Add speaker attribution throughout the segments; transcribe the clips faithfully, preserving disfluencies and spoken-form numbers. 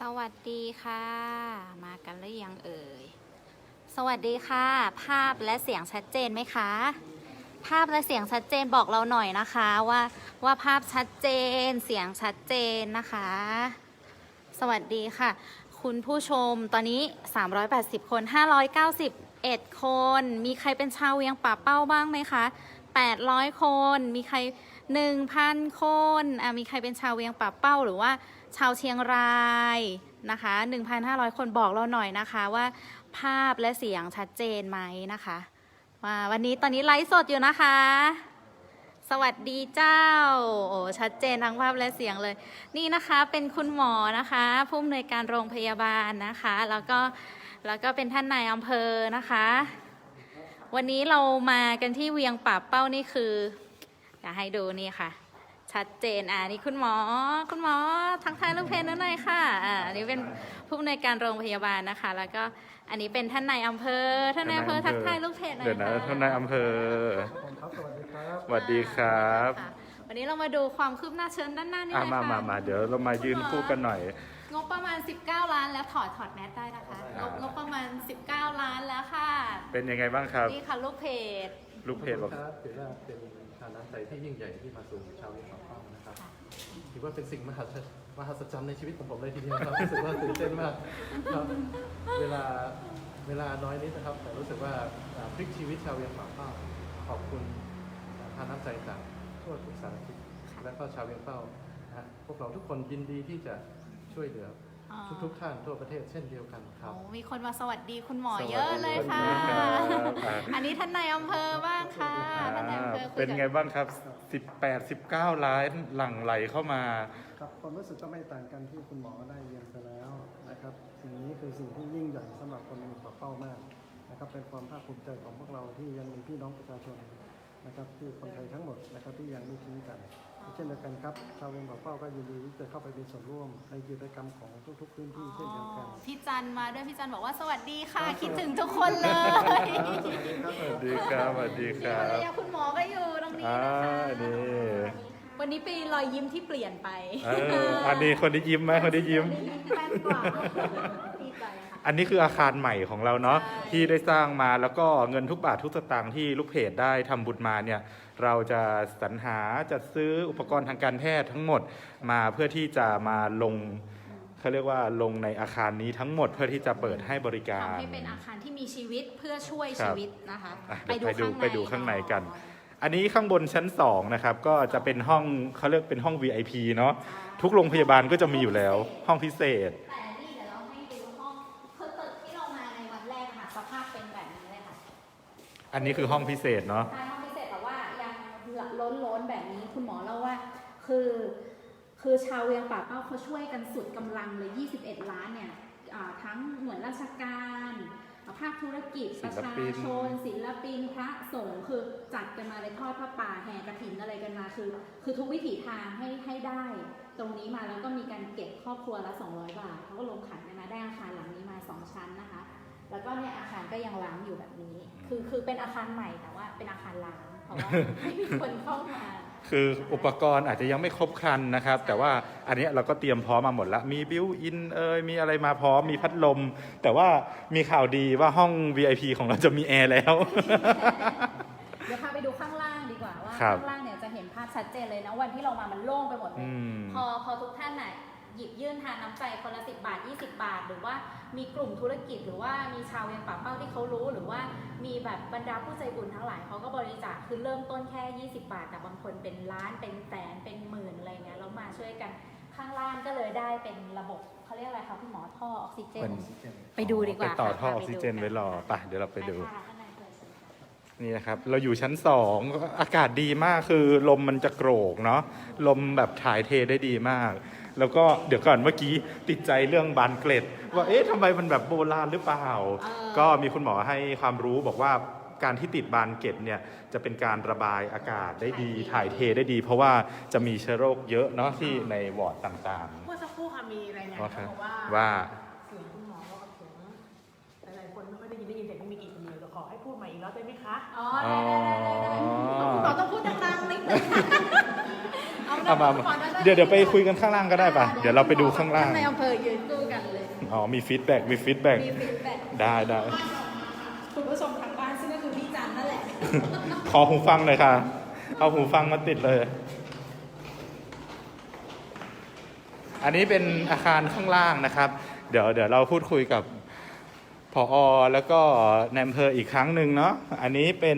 Speaker 1: สวัสดีค่ะมากันหรือยังเอ่ยสวัสดีค่ะภาพและเสียงชัดเจนไหมคะภาพและเสียงชัดเจนบอกเราหน่อยนะคะว่าว่าภาพชัดเจนเสียงชัดเจนนะคะสวัสดีค่ะคุณผู้ชมตอนนี้สามร้อยแปดสิบคนห้าร้อยเก้าสิบเอ็ดคนมีใครเป็นชาวเวียงป่าเป้าบ้างไหมคะแปดร้อยคนมีใคร หนึ่งพัน คนอ่ะมีใครเป็นชาวเวียงป่าเป้าหรือว่าชาวเชียงรายนะคะ หนึ่งพันห้าร้อย คนบอกเราหน่อยนะคะว่าภาพและเสียงชัดเจนไหมนะคะว่าวันนี้ตอนนี้ไลฟ์สดอยู่นะคะสวัสดีเจ้าโอ้ชัดเจนทั้งภาพและเสียงเลยนี่นะคะเป็นคุณหมอนะคะผู้อำนวยการโรงพยาบาลนะคะแล้วก็แล้วก็เป็นท่านนายอำเภอนะคะวันนี้เรามากันที่เวียงป่าเป้านี่คืออยากให้ดูนี่ค่ะชัดเจนอ่านี่คุณหมอคุณหมอทักทายลูกเพจหน่อยค่ะอ่าอันนี้เป็นผู้อำนวยการโรงพยาบาลนะคะแล้วก็อันนี้เป็นท่านนายอำเภอท่านนายอำเภอทักทายลูกเพจหน่อยค่ะเดี๋ยวนะ
Speaker 2: ท่านนายอำเภอ
Speaker 3: สวัสดีครับ
Speaker 2: สวัสดีครับ
Speaker 1: วันนี้เรามาดูความคืบหน้าเชิญด้านหน้านี่เลยค่ะ
Speaker 2: มามามาเดี๋ยวเรามายืนคู่กันหน่อย
Speaker 1: งบประมาณสิบเก้าล้านแล้วถอดถอดแมสได้นะคะงบงบประมาณสิบเก้าล้านแล้วค่ะ
Speaker 2: เป็นยังไงบ้างครับ
Speaker 1: นี่ค่ะลูกเพจ
Speaker 2: ลูกเพจบอก
Speaker 3: ถือว่าเป็นทานน้ำใจที่ยิ่งใหญ่ที่มาสู่ชาวเวียงป่าเป้านะครับถือว่าเป็นสิ่งมหัศมหัศจรรย์ในชีวิตของผมเลยทีเดียวครับรู้สึกว่าตื่นเต้นมากครับเวลาเวลาน้อยนิดนะครับแต่รู้สึกว่าพลิกชีวิตชาวเวียงป่าเป้าขอบคุณทานน้ำใจจากทั่วทุกสารทิศและก็ชาวเวียงเป้านะพวกเราทุกคนยินดีที่จะช่วยเหลือทุกๆท่านทั่วประเทศเช่นเดียวกันครับ
Speaker 1: มีคนมาสวัสดีคุณหมอเยอะเลยค่ะอันนี้ท่านนายอำเภอบ้างค่ะท่านนายอำเภอ
Speaker 2: เป็นไงบ้างครับสิบแปด สิบเก้าล้านหลั่งไหลเข้ามา
Speaker 3: ครับความรู้สึกก็ไม่ต่างกันที่คุณหมอได้เรียนไปแล้วนะครับสิ่งนี้คือสิ่งที่ยิ่งใหญ่สำหรับคนเวียงป่าเป้ามากนะครับเป็นความภาคภูมิใจของพวกเราที่ยังมีพี่น้องประชาชนนะครับที่คนไทยทั้งหมดนะครับที่ยังไม่ทิ้งกันเช่นเดียวกันครับชาวเวียงป่าเป้าก็ยินดีที่จะเข้าไปมีส่วนร่วมในกิจกรรมของทุกๆพื้นที่เช่นเดียวกัน
Speaker 1: พี่จันมาด้วยพี่จันบอกว่าสวัสดีค่ะคิดถึงทุกคนเลย
Speaker 2: สวัสดีครับสวัสดีครับ
Speaker 1: คุณหมอก็อยู่ตรงนี้นะคะวันนี้เป็นรอยยิ้มที่เปลี่ยนไป
Speaker 2: อันนี้คนที่ยิ้มไหมคนที่ยิ้มอันนี้คืออาคารใหม่ของเราเนาะที่ได้สร้างมาแล้วก็เงินทุกบาททุกสตางค์ที่ลูกเพจได้ทำบุญมาเนี่ยเราจะสรรหาจัดซื้ออุปกรณ์ทางการแพทย์ทั้งหมดมาเพื่อที่จะมาลงเขาเรียกว่าลงในอาคารนี้ทั้งหมดเพื่อที่จะเปิดให้บริการ
Speaker 1: ทำให้เป็นอาคารที่มีชีวิตเพื่อช่วยชีวิตนะคะ
Speaker 2: ไปดูไปดูข้างในกันอันนี้ข้างบนชั้นสองนะครับก็จะเป็นห้องเขาเรียกเป็นห้อง วี ไอ พี เนาะทุกโรงพยาบาลก็จะมีอยู่แล้วห้องพิเศษอันนี้คือห้องพิเศษเนาะ
Speaker 1: ใช่ห้องพิเศษแต่ว่ายังล้นล้นแบบนี้คุณหมอเล่าว่าคือคือชาวเวียงป่าเป้าเขาช่วยกันสุดกำลังเลยยี่สิบเอ็ดล้านเนี่ยทั้งหน่วยราชการภาคธุรกิจประชาชนศิลปินพระสงฆ์คือจัดกันมาเลยทอดผ้าป่าแห่กฐินอะไรกันมาคือคือทุกวิถีทางให้ให้ได้ตรงนี้มาแล้วก็มีการเก็บครอบครัวละสองร้อยบาทเขาก็ลงขันกันมาได้อาคารหลังนี้มาสองชั้นนะคะแล้วก็เนี่ยอาคารก็ยังล้างอยู่แบบนี้คือคือเป็นอาคารใหม่แต่ว่าเป็นอาคารล้างเพราะว่าไม่มีคนเข้ามา
Speaker 2: คืออุปกรณ์อาจจะยังไม่ครบครันนะครับแต่ว่าอันนี้เราก็เตรียมพร้อมมาหมดแล้วมีบิวอินเอยมีอะไรมาพร้อมมีพัดลมแต่ว่ามีข่าวดีว่าห้อง วี ไอ พี ของเราจะมีแอร์แล้ว
Speaker 1: เดี๋ยวพาไปดูข้างล่างดีกว่าว่าข้างล่างเนี่ยจะเห็นภาพชัดเจนเลยนะวันที่เรามามันโล่งไปหมดเลยพอพอทุกท่านน่ะหยิบยื่นทานน้ำใจคนละสิบบาทยี่สิบบาทหรือว่ามีกลุ่มธุรกิจหรือว่ามีชาวเวียงป่าเป้าที่เขารู้หรือว่ามีแบบบรรดาผู้ใจบุญทั้งหลายเขาก็บริจาคคือเริ่มต้นแค่ยี่สิบบาทแต่บางคนเป็นล้านเป็นแสนเป็นหมื่นอะไรเงี้ยแล้วมาช่วยกันข้างล่างก็เลยได้เป็นระบบเขาเรียกอะไรคะคุณหมอท่อออกซิเจนไปดูดีกว่า
Speaker 2: ไปต่อท่อออกซิเจนไว้รอป่ะเดี๋ยวเราไปดูนี่นะครับเราอยู่ชั้นสองอากาศดีมากคือลมมันจะโกรกเนาะลมแบบถ่ายเทได้ดีมากแล้วก็เดี๋ยวก่อนเมื่อกี้ติดใจเรื่องบานเกล็ดว่าเอ๊ะทำไมมันแบบโบราณหรือเปล่าก็มีคุณหมอให้ความรู้บอกว่าการที่ติดบานเกล็ดเนี่ยจะเป็นการระบายอากาศได้ดีถ่ายเทได้ดีเพราะว่าจะมีเชื้อโรคเยอะเนาะที่ในวอร์ดต่าง
Speaker 4: ๆเมื่อสักครู่ค่ะมีรายงานบอกว่า
Speaker 2: ว่า
Speaker 4: เสียงคุณหมอก็เสียงหลายๆคนไม่ค่อยได้ยินได้ยินแต่ไม่มีกี่คนเดียวจะขอให้พูดใหม่อีกรอบได้ไหมคะ
Speaker 1: อ๋อได้ได้ได้ได้คุณหมอต้องพูดดังๆนิดนึงเอา
Speaker 2: เอามามาเดี๋ยวเดี๋ยวไปคุยกันข้างล่างก็ได้ป่ะเดี๋ยวเราไปดูข้างล่าง
Speaker 1: ในอำเภอยืนสู้กันเลย
Speaker 2: อ๋อมีฟีดแบ็กมีฟีดแบ็ก
Speaker 1: มีฟีดแบ็ก
Speaker 2: ได้ได้
Speaker 1: คุณผู้ชมทางบ้านซึ่งก็คือพี่จันนั่นแหละ
Speaker 2: ขอหูฟังหน่อยค่ะ เอาหูฟังมาติดเลย อันนี้เป็นอาคารข้างล่างนะครับ เดี๋ยวเดี๋ยวเราพูดคุยกับผอ.แล้วก็ในอำเภออีกครั้งหนึ่งเนาะ อันนี้เป็น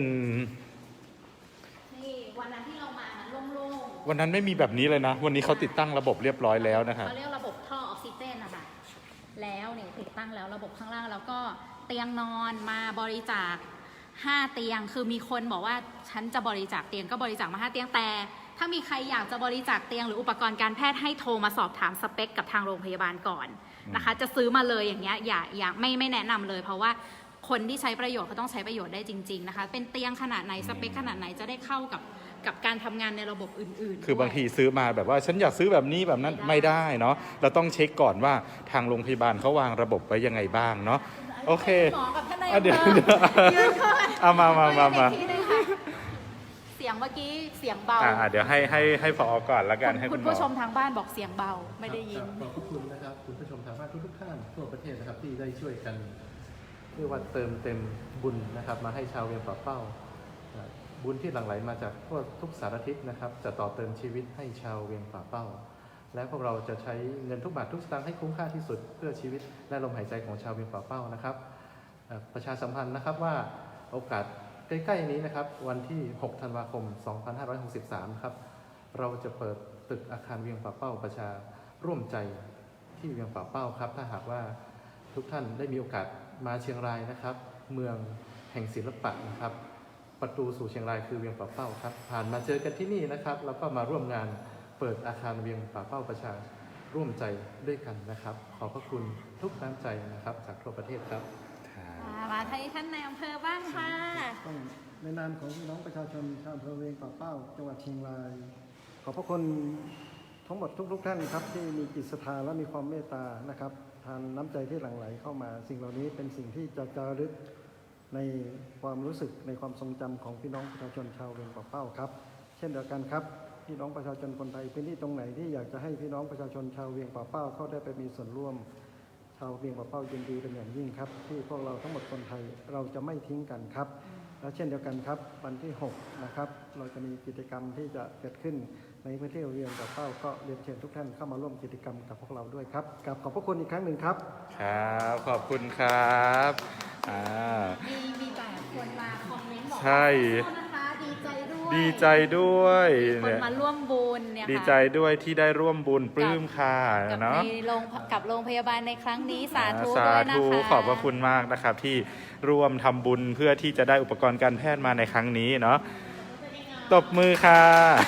Speaker 1: นี่วันนั้นที่เรามามันโล่ง
Speaker 2: วันนั้นไม่มีแบบนี้เลยนะ วันนี้เขาติดตั้งระบบเรียบร้อยแล้ว
Speaker 1: ๆ
Speaker 2: นะครับ
Speaker 1: เขาเรียกระบบท่อออกซิเจนนะคะแล้วเนี่ยติดตั้งแล้วระบบข้างล่างแล้วก็เตียงนอนมาบริจาคห้าเตียงคือมีคนบอกว่าฉันจะบริจาคเตียงก็บริจาคมาห้าเตียงแต่ถ้ามีใครอยากจะบริจาคเตียงหรืออุปกรณ์การแพทย์ให้โทรมาสอบถามสเปคกับทางโรงพยาบาลก่อนนะคะ จะซื้อมาเลยอย่างเงี้ยอย่าอย่าไม่ไม่แนะนำเลย เพราะว่าคนที่ใช้ประโยชน์เขาต้องใช้ประโยชน์ได้จริงๆนะคะเป็นเตียงขนาดไหนสเปคขนาดไหนจะได้เข้ากับกับการทำงานในระบบอื่นๆ
Speaker 2: คือบางที
Speaker 1: ด้วย
Speaker 2: ซื้อมาแบบว่าฉันอยากซื้อแบบนี้แบบนั้นไม่ได้เนาะ เราต้องเช็คก่อนว่าทางโรงพยาบาลเขาวางระบบไว้ยังไงบ้างเนาะ โอเค
Speaker 1: หมอกับท่านนาย
Speaker 2: อ่ะ
Speaker 1: อำ
Speaker 2: เดี๋ยว
Speaker 1: เภอ
Speaker 2: เดี๋ยว
Speaker 1: ยืนก่อน
Speaker 2: เอามามามามา
Speaker 1: คุยกันอีกทีนึงค่ะเสียงเมื่อกี้เสียงเบา
Speaker 2: อ่าเดี๋ยวให้ให้ให้ผอก่อนละกันให้
Speaker 1: คุ
Speaker 2: คุณ
Speaker 1: ณ
Speaker 2: หมอ
Speaker 1: ผู้ชมทางบ้านบอกเสียงเบาไม่ได้ยิน
Speaker 3: ครับขอบพระคุณนะครับคุณผู้ชมทางบ้านทุกๆท่านทั่วประเทศนะครับที่ได้ช่วยกันเรียกว่าเติมเต็มบุญนะครับมาให้ชาวเวียงป่าเป้าอ่าบุญที่หลั่งไหลมาจากทั่วทุกสารทิศนะครับจะต่อเติมชีวิตให้ชาวเวียงป่าเป้า และพวกเราจะใช้เงินทุกบาททุกสตางค์ให้คุ้มค่าที่สุดเพื่อชีวิตและลมหายใจของชาวเวียงป่าเป้านะครับอ่าประชาสัมพันธ์นะครับว่าโอกาสใกล้ๆนี้นะครับวันที่หกธันวาคมสองพันห้าร้อยหกสิบสามครับเราจะเปิดตึกอาคารเวียงป่าเป้าประชาร่วมใจที่เวียงป่าเป้าครับถ้าหากว่าทุกท่านได้มีโอกาสมาเชียงรายนะครับ เมืองแห่งศิลปะนะครับ ประตูสู่เชียงรายคือเวียงป่าเป้าครับผ่านมาเจอกันที่นี่นะครับแล้วก็มาร่วมงานเปิดอาคารเวียงป่าเป้าประชาร่วมใจด้วยกันนะครับ ขอบพระคุณทุกน้ำใจนะครับจากทั่วประเทศครับ
Speaker 1: มาที่ท่านนายอำเภอบ้างค่ะ
Speaker 5: ต้องในนามของพี่น้องประชาชนชาวอำเภอเวียงป่าเป้าจังหวัดเชียงราย ขอบพระคุณทั้งหมดทุกๆท่านครับที่มีจิตศรัทธาและมีความเมตตานะครับทานน้ำใจที่หลั่งไหลเข้ามา สิ่งเหล่านี้เป็นสิ่งที่จะจารึกในความรู้สึกในความทรงจำของพี่น้องประชาชนชาวเวียงป่าเป้าครับ เช่นเดียวกันครับพี่น้องประชาชนคนไทยพื้นที่ตรงไหนที่อยากจะให้พี่น้องประชาชนชาวเวียงป่าเป้าเข้าได้ไปมีส่วนร่วม ชาวเวียงป่าเป้ายินดีเป็นอย่างยิ่งครับที่พวกเราทั้งหมดคนไทยเราจะไม่ทิ้งกันครับ และเช่นเดียวกันครับวันที่หกนะครับเราจะมีกิจกรรมที่จะเกิดขึ้นในพื้นที่เวียงป่าเป้าก็เรียนเชิญทุกท่านเข้ามาร่วมกิจกรรมกับพวกเราด้วยครับกับขอบพระคุณอีกครั้งหนึ่งครับ
Speaker 2: ครับขอบคุณครับอ่า
Speaker 1: มีมีแต่คนมาคอมเมนต์บอกว่า
Speaker 2: ใช่
Speaker 1: ขอโทษนะคะดีใจด้วย
Speaker 2: ดีใจด้วย
Speaker 1: มีคน
Speaker 2: เนี่ย
Speaker 1: มาร่วมบุญเนี่ยค่ะ
Speaker 2: ดีใจด้วยที่ได้ร่วมบุญปลื้มค่ะ
Speaker 1: กับ
Speaker 2: เนาะ
Speaker 1: ในโรงกับโรงพยาบาลในครั้งนี้สาธุ
Speaker 2: สา
Speaker 1: ด้วยนะ
Speaker 2: ธุ
Speaker 1: คะ
Speaker 2: ขอบพระคุณมากนะครับ ที่ร่วมทำบุญเพื่อที่จะได้อุปกรณ์การแพทย์มาในครั้งนี้เนาะตบมือค่ะ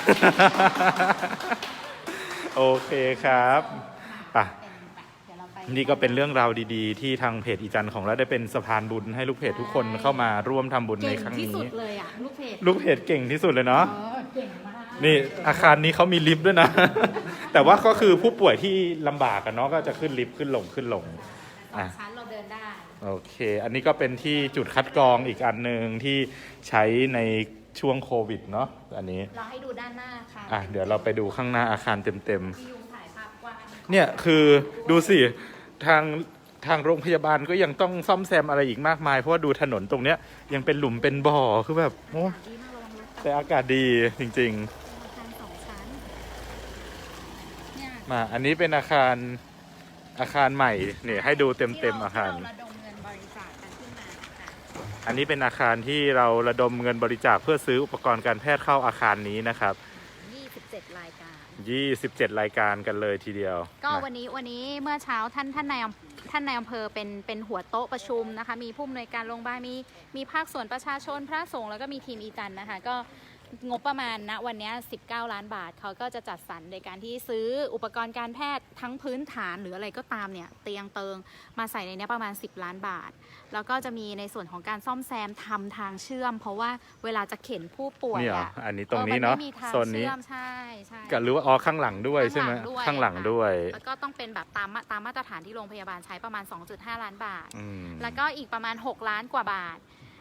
Speaker 2: โอเคครับป่ะ
Speaker 1: เดี๋ยวเราไป
Speaker 2: นี่ก็เป็นเรื่องราวดีๆ ที่ทางเพจอีจันของเราได้เป็นสะพานบุญให้ลูกเพจทุกคนเข้ามาร่วมทำบุญใน
Speaker 1: เก่ง
Speaker 2: ครั้ง
Speaker 1: ที่สุ
Speaker 2: นี้
Speaker 1: ดเลยอ่ะลูกเพจ
Speaker 2: ลูกเพจเก่งที่สุดเลยเนาะ
Speaker 1: เออเก่งมาก
Speaker 2: นี่อาคารนี้เขามีลิฟต์ด้วยนะ แต่ว่าก็คือผู้ป่วยที่ลำบากกันเนาะก็จะขึ้นลิฟต์ขึ้นลงขึ้นลง
Speaker 1: สองชั้นเราเดินได้
Speaker 2: โอเค อันนี้ก็เป็นที่จุดคัดกรองอีกอันหนึ่งที่ใช้ในช่วงโควิดเนาะอันนี้
Speaker 1: เราให้ดูด้านหน้าค่ะ
Speaker 2: อ่ะเดี๋ยวเราไปดูข้างหน้าอาคารเต็ม
Speaker 1: พี่ยุงถ่ายภาพกว้าง
Speaker 2: ๆเนี่ยคือดูสิทางทางโรงพยาบาลก็ยังต้องซ่อมแซมอะไรอีกมากมายเพราะว่าดูถนนตรงเนี้ยยังเป็นหลุมเป็นบ่อคือแบบโอ้
Speaker 1: ดีมากระวังรถ
Speaker 2: แต่อากาศดีจริง
Speaker 1: อาคารสองชั้นเนี่ย
Speaker 2: ๆ มาอันนี้เป็นอาคารอาคารใหม่เนี่ยให้ดูเต็มๆอาคาร
Speaker 1: ที่เระดมเงินบริจาคกันขึ้นมาค่ะ
Speaker 2: อันนี้เป็นอาคารที่เราระดมเงินบริจาคเพื่อซื้ออุปกรณ์การแพทย์เข้าอาคารนี้นะครับ
Speaker 1: ยี่สิบเจ็ดรายการ
Speaker 2: ยี่สิบเจ็ดรายการกันเลยทีเดียว
Speaker 1: ก็
Speaker 2: นะ
Speaker 1: วันนี้วันนี้เมื่อเช้าท่านท่านนายอำท่านนายอำเภอเป็นเป็นหัวโต๊ะประชุมนะคะ มีผู้อำนวยการโรงพยาบาลมีมีภาคส่วนประชาชนพระสงฆ์แล้วก็มีทีมอีจันนะคะก็งบประมาณณวันนี้สิบเก้าล้านบาทเขาก็จะจัดสรรในการที่ซื้ออุปกรณ์การแพทย์ทั้งพื้นฐานหรืออะไรก็ตามเนี่ยเตียงเติงมาใส่ในนี้ประมาณสิบล้านบาท แล้วก็จะมีในส่วนของการซ่อมแซมทำทางเชื่อม เพราะว่าเวลาจะเข็นผู้ป่วย
Speaker 2: นี่เหรอ
Speaker 1: อ่ะ
Speaker 2: อันนี้ตรงนี้เนาะ
Speaker 1: ออมัไม่มีทาง
Speaker 2: โซนนี้
Speaker 1: เชื่อมใช่ใช่
Speaker 2: ก็หรือว่าอ๋อข้างหลังด้วยใช่ไหมข้างหลังด้วย
Speaker 1: แล้วก็ต้องเป็นแบบตามมาตามมาตรฐานที่โรงพยาบาลใช้ประมาณ สองจุดห้า ล้านบาท
Speaker 2: อืม
Speaker 1: แล้วก็อีกประมาณ หก ล้านกว่าบาท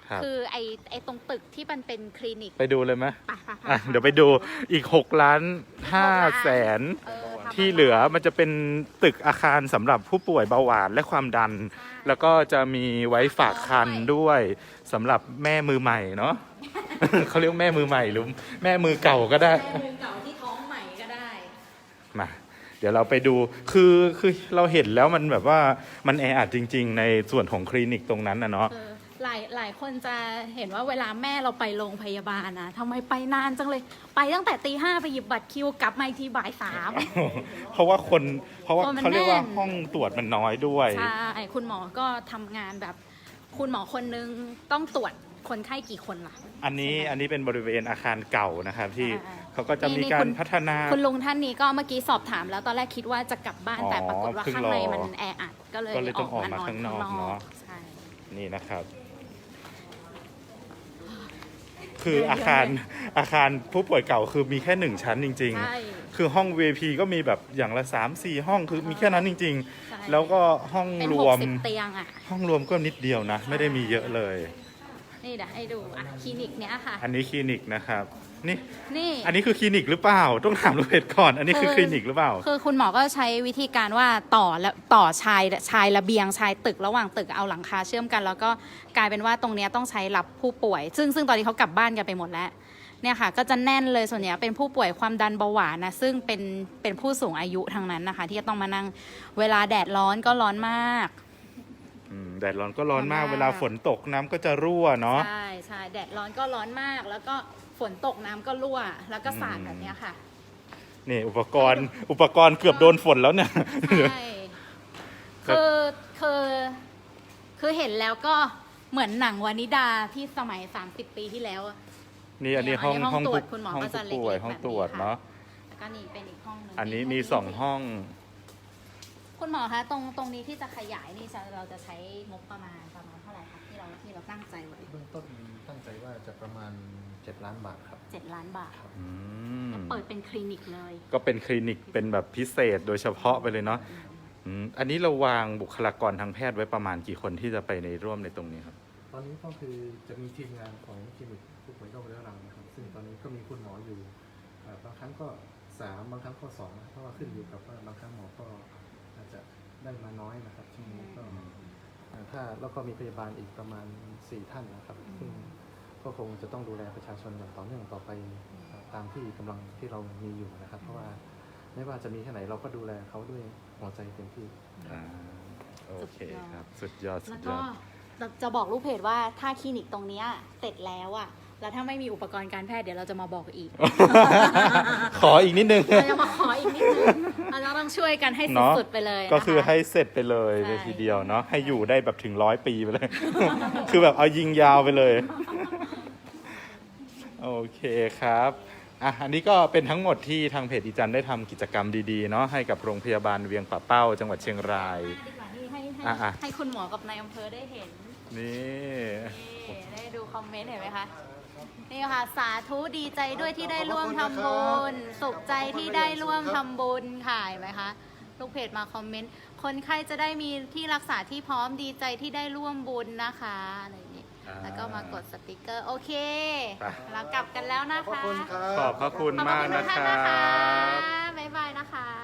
Speaker 2: ครับ
Speaker 1: คือไอไอตรงตึกที่มันเป็นคลินิก
Speaker 2: ไปดูเลยไหม
Speaker 1: ไปไปไป
Speaker 2: อ่ะเดี๋ยวไปดูอีกหกล้านห้าแสน
Speaker 1: เออทำ
Speaker 2: ที่เหลือมันจะเป็นตึกอาคารสำหรับผู้ป่วยเบาหวานและความดัน
Speaker 1: ใช่
Speaker 2: แล้วก็จะมีไว้ฝากคันด้วยสำหรับแม่มือใหม่เนาะ เขาเรียกแม่มือใหม่หรือแม่มือเก่าก็ได้
Speaker 1: แม่มือเก่าที่ท้องใหม่ก็ได้
Speaker 2: มา เดี๋ยวเราไปดูคือคือเราเห็นแล้วมันแบบว่ามันแออัดจริง ๆ ในส่วนของคลินิกตรงนั้นนะเนาะ
Speaker 1: เออหลายหลายคนจะเห็นว่าเวลาแม่เราไปโรงพยาบาลนะทำไมไปนานจังเลย ไปตั้งแต่ตีห้าไปหยิบบัตรคิวกลับมาอีกทีบ่ายสาม
Speaker 2: เพราะว่าคนเพราะว่า
Speaker 1: คนมัน
Speaker 2: เขาเรียกว่า
Speaker 1: แน่น
Speaker 2: ห้องตรวจมันน้อยด้วย
Speaker 1: ใช่คุณหมอก็ทำงานแบบ คุณหมอคนนึงต้องตรวจคนไข้กี่คนล่ะ
Speaker 2: อันนี้อันนี้เป็นบริเวณอาคารเก่านะครับที่
Speaker 1: อ่า
Speaker 2: เขาก็จะมี
Speaker 1: นี่
Speaker 2: การ
Speaker 1: คุณ
Speaker 2: พัฒนา
Speaker 1: คุณลุงท่านนี้ก็เมื่อกี้สอบถามแล้วตอนแรกคิดว่าจะกลับบ้าน
Speaker 2: อ๋อ
Speaker 1: แต่ปรากฏว่า
Speaker 2: เพิ่ง
Speaker 1: ข้างใน
Speaker 2: รอ
Speaker 1: มันแออัดก็เลย
Speaker 2: ก็เลยต้องออกมาข้างนอกเนอะ
Speaker 1: ใช่
Speaker 2: นี่นะครับ คือ
Speaker 1: เยอะๆ
Speaker 2: อาคาร
Speaker 1: เลย
Speaker 2: อาคารผู้ป่วยเก่าคือมีแค่หนึ่งชั้นจริง
Speaker 1: ใช่
Speaker 2: ๆ คือห้อง วี ไอ พี ก็มีแบบอย่างละ สามสี่ ห้องคือมีแค่นั้นจริง
Speaker 1: ใช่
Speaker 2: ๆ แล้วก็ห้อง
Speaker 1: เป็น
Speaker 2: ร
Speaker 1: ห
Speaker 2: ว
Speaker 1: ก
Speaker 2: ม
Speaker 1: สิบเตียงอ่ะ
Speaker 2: ห้องรวมก็นิดเดียวนะ ไม่ได้มีเยอะเลย
Speaker 1: นี่เดี๋ยวให้ดูอ่ะคลินิกเนี้ยค่ะ
Speaker 2: อันนี้คลินิกนะครับ นี่
Speaker 1: นี่
Speaker 2: อันนี้คือคลินิกหรือเปล่า ต้องถามลูกเพจก่อน อันนี้คือคลินิกหรือเปล่า
Speaker 1: คือคุณหมอก็ใช้วิธีการว่าต่อและต่อชายชายระเบียงชายตึกระหว่างตึกเอาหลังคาเชื่อมกัน แล้วก็กลายเป็นว่าตรงเนี้ยต้องใช้รับผู้ป่วย ซึ่งซึ่งตอนนี้เขากลับบ้านกันไปหมดแล้วเนี่ยค่ะ ก็จะแน่นเลยส่วนใหญ่เป็นผู้ป่วยความดันเบาหวานนะซึ่งเป็นเป็นผู้สูงอายุทั้งนั้นนะคะ ที่จะต้องมานั่งเวลาแดดร้อนก็ร้อนมาก
Speaker 2: อืมแดดร้อนก็ร้อนมาก
Speaker 1: ร้อนมาก
Speaker 2: เวลาฝนตกน้ำก็จะรั่วเนาะ
Speaker 1: ใช่ใช่แดดร้อนก็ร้อนมาก แล้วก็ฝนตกน้ำก็รั่ว แล้วก็สาด
Speaker 2: อืม
Speaker 1: แบบเนี้ยค่ะ
Speaker 2: นี่อุปกรณ์ อุปกรณ์เกือบโดนฝนแล้วเนี่ย
Speaker 1: ใช่คือคือคือเห็นแล้วก็เหมือนหนังวานิดาที่สมัย สามสิบ ปีที่แล้วอะ
Speaker 2: นี่อันนี้ห้อง
Speaker 1: อันนี้ห้องตรวจ
Speaker 2: ผู้
Speaker 1: คุณหมอ
Speaker 2: ห้อง
Speaker 1: ก็จะ
Speaker 2: ผู้ป่วย
Speaker 1: เล็กๆ
Speaker 2: ห้อง
Speaker 1: แบบนี้
Speaker 2: ตรวจ
Speaker 1: ค่ะ
Speaker 2: เนาะ
Speaker 1: แล้วก็นี่เป็นอีกห้องหนึง
Speaker 2: อันนี้มีสองห้อง
Speaker 1: คุณหมอคะตรงตรงนี้ที่จะขยายนี่จะเราจะใช้งบประมาณประมาณเท่าไหร่คะที่เราที่เราตั้งใจไว้
Speaker 3: เบื้องต้นตั้งใจว่าจะประมาณเจ็ดล้านบาทครับ
Speaker 1: เจ็ดล้านบาท
Speaker 2: อืม
Speaker 1: เปิดเป็นคลินิกเลย
Speaker 2: ก็เป็นคลินิกเป็นแบบพิเศษโดยเฉพาะไปเลยเนาะอืมอันนี้เราวางบุคลากรทางแพทย์ไว้ประมาณกี่คนที่จะไปในร่วมในตรงนี้ครับ
Speaker 3: ตอนนี้ก็คือจะมีทีมงานของคลินิกผู้ป่วยโรคเรื้อรังนะครับ ซึ่งตอนนี้ก็มีคุณหมออยู่เอ่อบางครั้งก็สามบางครั้งก็สองนะเพราะว่าขึ้นอยู่กับว่าบางครั้งหมอก็อาจจะได้มาน้อยนะครับช่วงนี้ก็เอ่อถ้าแล้วก็มีพยาบาลอีกประมาณสี่ท่านนะครับซึ่งก็คงจะต้องดูแลประชาชนอย่างต่อเนื่องต่อไปเอ่อตามที่กำลังที่เรามีอยู่นะครับ เพราะว่าไม่ว่าจะมีแค่ไหนเราก็ดูแลเขาด้วยหัวใจเต็มที่
Speaker 2: อ่าโอเคครับ สุดยอดสุ
Speaker 1: แล้ว
Speaker 2: ดย
Speaker 1: ก็
Speaker 2: อด
Speaker 1: จะบอกลูกเพจว่าถ้าคลินิกตรงเนี้ยเสร็จแล้วอะแล้วถ้าไม่มีอุปกรณ์การแพทย์เดี๋ยวเราจะมาบอกอีก
Speaker 2: ขออีกนิดนึง
Speaker 1: เราจะมาขออีกนิดนึงเราจะต้องช่วยกันให้
Speaker 2: เนาะ
Speaker 1: สุดๆไปเลยนะคะ
Speaker 2: ก็คือให้เสร็จไปเลย
Speaker 1: ใช่
Speaker 2: เลยทีเดียวเนาะให้อยู่ได้แบบถึงร้อยปีไปเลย คือแบบเอายิงยาวไปเลย โอเคครับอ่ะอันนี้ก็เป็นทั้งหมดที่ทางเพจอีจันได้ทำกิจกรรมดีๆเนาะให้กับโรงพยาบาลเวียงป่าเป้า จังหวัดเชียงราย
Speaker 1: ดีกว่าที่ให้ให้
Speaker 2: อ่ะๆ
Speaker 1: ให้คุณหมอกับนายอำเภอได้เห็น
Speaker 2: นี่
Speaker 1: นี่ได้ดูคอมเมนต์เห็นไหมคะ นี่ค่ะ สาธุดีใจด้วยที่ได้ร่วมทำบุญ สุขใจที่ได้ร่วมทำบุญค่ะเห็นไหมคะ ลูกเพจมาคอมเมนต์ คนไข้จะได้มีที่รักษาที่พร้อมดีใจที่ได้ร่วมบุญนะคะอะไรอย่างนี้
Speaker 2: อ่า
Speaker 1: แล้วก็มากดสติกเกอร์ โอเค
Speaker 2: ไป
Speaker 1: เรากลับกันแล้วนะ
Speaker 5: ขอบ
Speaker 1: คะ
Speaker 5: คุณครั
Speaker 2: ขอบบ พระคุณ
Speaker 1: ขอบพ
Speaker 2: มาก
Speaker 1: ระคุณ
Speaker 2: นะ
Speaker 1: ทุก
Speaker 2: ค
Speaker 1: ท่าน
Speaker 2: รั
Speaker 1: นะคะ
Speaker 2: บ
Speaker 1: บ๊ายบายนะคะ